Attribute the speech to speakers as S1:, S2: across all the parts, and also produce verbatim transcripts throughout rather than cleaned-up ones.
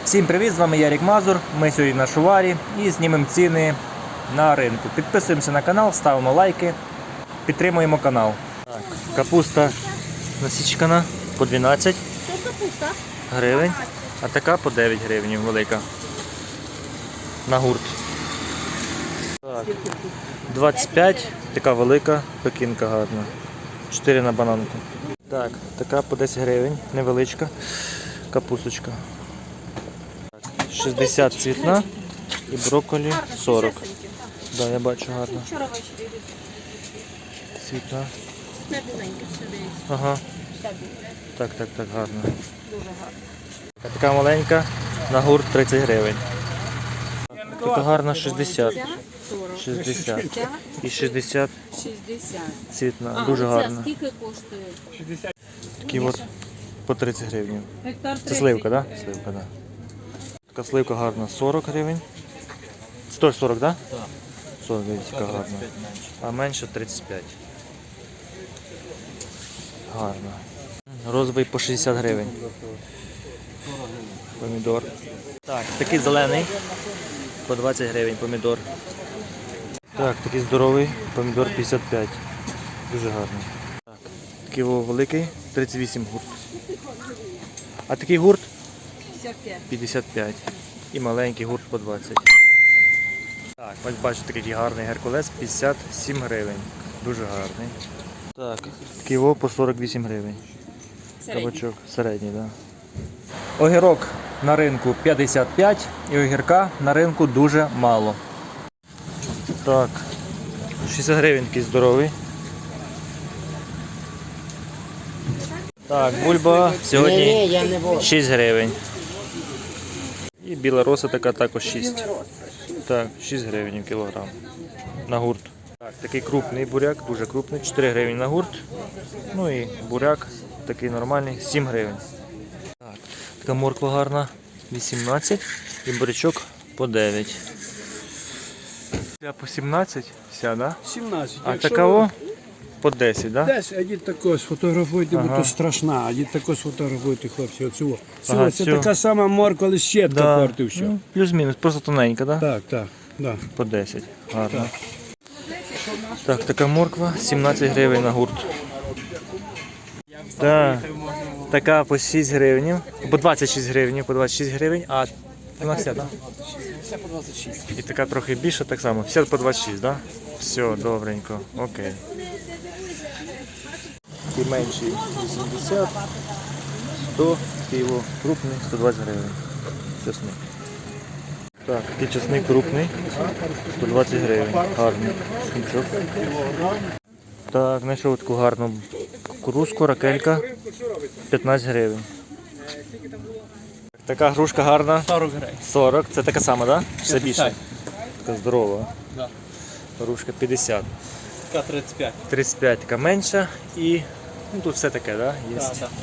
S1: Всім привіт, з вами Ярік Мазур. Ми сьогодні на Шуварі і знімемо ціни на ринку. Підписуємося на канал, ставимо лайки, підтримуємо канал. Так, капуста насічкана по дванадцять гривень, а така по дев'ять гривень велика. На гурт. Так, двадцять п'ять, така велика, пекінка гарна. чотири на бананку. Так, така по десять гривень, невеличка капусточка. шістдесят цвітна і брокколі сорок. Да, я бачу гарно. Цвітна. Ага. Так, так, так, гарно. Така маленька, на гурт тридцять гривень. Така гарна шістдесят. шістдесят. І шістдесят цвітна. Дуже гарна.
S2: Скільки коштує?
S1: Такі от по тридцять гривень. Це сливка, так? Да? Сливка, да. Така сливка гарна, сорок гривень. сто сорок, так? Да? Так. сорок, дивіться, гарна. А менше тридцять п'ять. Гарно. Розовий по шістдесят гривень. Помідор. Так, такий зелений. По двадцять гривень помідор. Так, такий здоровий помідор п'ятдесят п'ять. Дуже гарний. Так, такий великий тридцять вісім гурт. А такий гурт п'ятдесят п'ять. І маленький гурт по двадцять. Так, ось бачите, такий гарний геркулес, п'ятдесят сім гривень. Дуже гарний. Так, ківо по сорок вісім гривень. Кабачок середній, так. Да. Огірок на ринку п'ятдесят п'ять і огірка на ринку дуже мало. Так, шістдесят гривень такий здоровий. Так, бульба сьогодні шість гривень. І біла роса така також шість. Так, шість гривень кілограм на гурт. Так, такий крупний буряк, дуже крупний, чотири гривні на гурт. Ну і буряк такий нормальний, сім гривень. Так, така морква гарна, вісімнадцять і бурячок по дев'ять. Ця по сімнадцять вся, да?
S3: сімнадцять.
S1: А такого по десять, да?
S3: десять, а дід тако сфотографуйте,
S1: Ага.
S3: бо то страшна, а дід тако сфотографуйте, хлопці, оцього.
S1: Ага,
S3: Це
S1: цю.
S3: така сама морква, але щепка
S1: Да.
S3: порти все.
S1: Ну, плюс-мінус, просто тоненька, да?
S3: Так, так, так.
S1: По десять. Гарно. Так, така морква, сімнадцять гривень на гурт. Так, така по шість гривень, по двадцять шість гривень, по двадцять шість гривень, а вона вся, так?
S3: Все по двадцять шість.
S1: І така трохи більша, так само, вся по двадцять шість, так? Все, добренько, окей. І менший вісімдесят, сто, його крупний, сто двадцять гривень. Чесник. Так, такий чесник крупний, сто двадцять гривень, гарний чесничок. Так, знайшов таку гарну кукурузку, ракелька, п'ятнадцять гривень. Така грушка гарна,
S4: сорок гривень.
S1: сорок, це така сама, так? Да? Чи це більше?
S4: п'ятдесят.
S1: Така здорова.
S4: Да.
S1: Грушка п'ятдесят.
S4: Така тридцять п'ять.
S1: тридцять п'ять така менша і ну, тут все таке, да? Є.
S4: Да, да.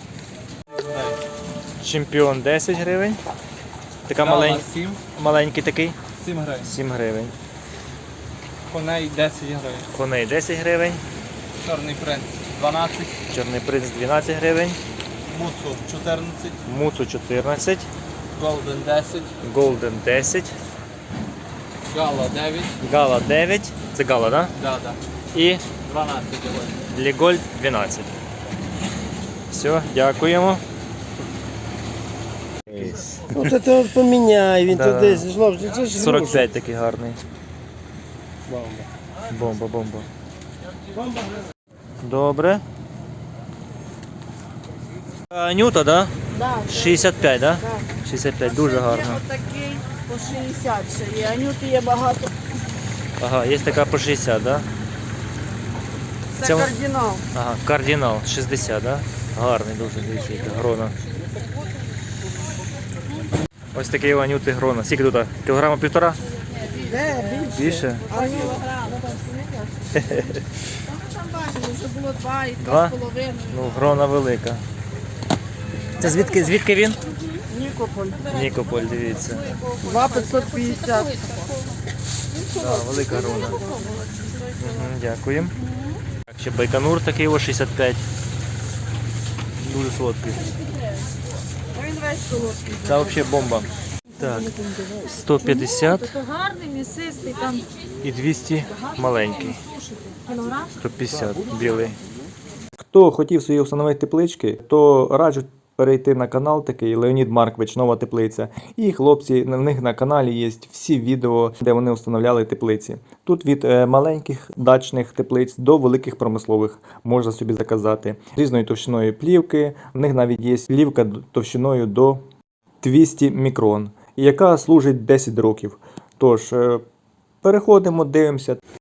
S1: Чемпіон десять гривень. Така
S4: Гала
S1: малень...
S4: сім,
S1: маленький такий,
S4: сім гривень.
S1: сім гривень.
S4: Коней десять гривень.
S1: Коней десять гривень.
S4: Чорний принц дванадцять.
S1: Чорний принц дванадцять гривень.
S4: Муцу чотирнадцять.
S1: Муцу чотирнадцять.
S4: Голден десять.
S1: Голден десять.
S4: Гала дев'ять.
S1: Гала дев'ять. Це гала, так?
S4: Да, да.
S1: Да? І
S4: дванадцять гривень.
S1: Ліголь дванадцять. Все, дякуємо.
S5: От це от поміняй, він
S1: Да.
S5: туди злов, це ж
S1: сорок п'ять такий гарний.
S5: Бомба.
S1: Бомба, бомба. Добре. А, Нюта, да?
S2: Да,
S1: шістдесят п'ять, да?
S2: да.
S1: шістдесят п'ять, дуже гарно.
S2: Є отакий по шістдесят ще є, анюти є багато.
S1: Ага, є така по шістдесят, да?
S2: Це
S1: Це-
S2: кардинал.
S1: Ага, кардинал шістдесят, да? Гарний дуже, дивіться, яка грона. Ось такий Анюти грона. Скільки тут? Кілограма півтора?
S2: Де, більше?
S1: Більше?
S2: А ні, там бачили, вже було два і
S1: Два?
S2: два з половиною.
S1: Ну, грона велика. Це звідки, звідки він?
S2: Нікополь.
S1: Нікополь, дивіться.
S2: Два п'ятсот п'ятдесят.
S1: Да, велика грона. Угу, дякуємо. Так, ще байконур такий, о, шістдесят п'ять. Дуже солодкий.
S2: Він весь весь солодкий.
S1: Це взагалі бомба. Так, сто п'ятдесят
S2: Це гарний, м'ясистий, там
S1: і двісті маленький.
S2: сушити. Кілограм.
S1: сто п'ятдесят білий. Хто хотів собі встановити теплички, то раджу перейти на канал такий Леонід Маркович, Нова теплиця. І хлопці, на них на каналі є всі відео, де вони встановляли теплиці. Тут від е, маленьких дачних теплиць до великих промислових можна собі заказати. З різною товщиною плівки, в них навіть є плівка товщиною до двісті мікрон, яка служить десять років. Тож, е, переходимо, дивимося.